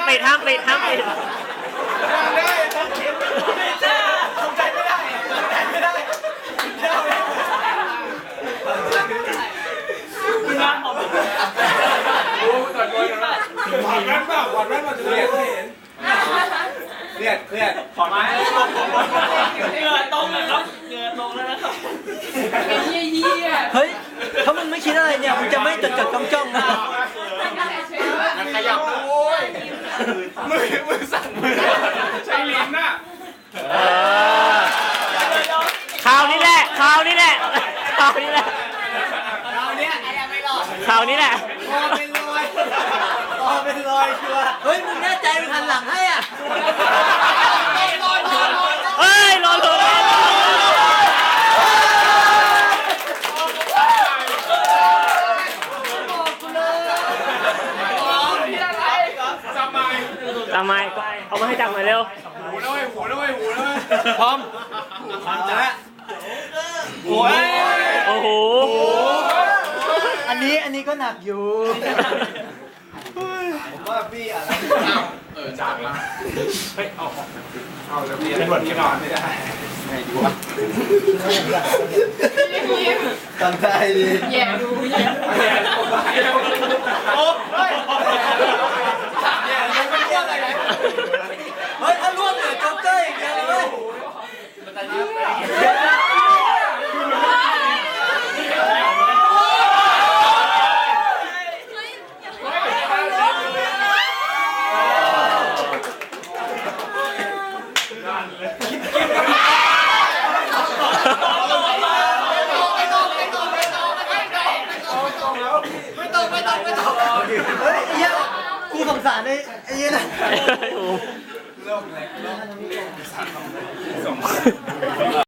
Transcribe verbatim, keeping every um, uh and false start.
ปิดห้ามปิดห้ามปิดหวานแว่นเปล่าหวานแว่นมาจะได้เห็นเครียดเครียดถอดไม้เหงื่อตรงเลยครับเหงื่อตรงแล้วนะครับเฮ้ยถ้ามึงไม่คิดอะไรเนี่ยมึงจะไม่จดจดจ้องจ้องนะขยับโอ้ยมือมือสั่นมือใช้ลิ้นน่ะข่าวนี้แหละข่าวนี้แหละข่าวนี้แหละเราเนี้ยไม่รอดข่าวนี้แหละคอเป็นรอยคอเป็นรอยชัวร์เฮ้ยมึงแน่ใจมึงหันหลังให้อ่ะเฮ้ยรอเลยทำไมทำไมเอามาให้จับหน่อยเร็วหูด้วยหูด้วยหูด้วยพร้อมพร้อมจ้ะโอ้ยโอ้โหอันนี้อันนี้ก็หนักอยู่ผมว่าพี่อะไรเออจับมาเฮ้ยเอาเอาแล้วพี่เป็นบทที่นอนไม่ได้ไงดีวะทำได้ดิแย่ดูแย่โอ้เฮ้ยแย่ยังไม่เที่ยงอะไรเฮ้ยถ้าล่วงเหลือจ็อกเกอร์อีกแล้วเลยเฮ้ยไอ้เหี้ยกูสงสารไอ้ไอ้เหี้ยนะเริ่มเลยเริ่ม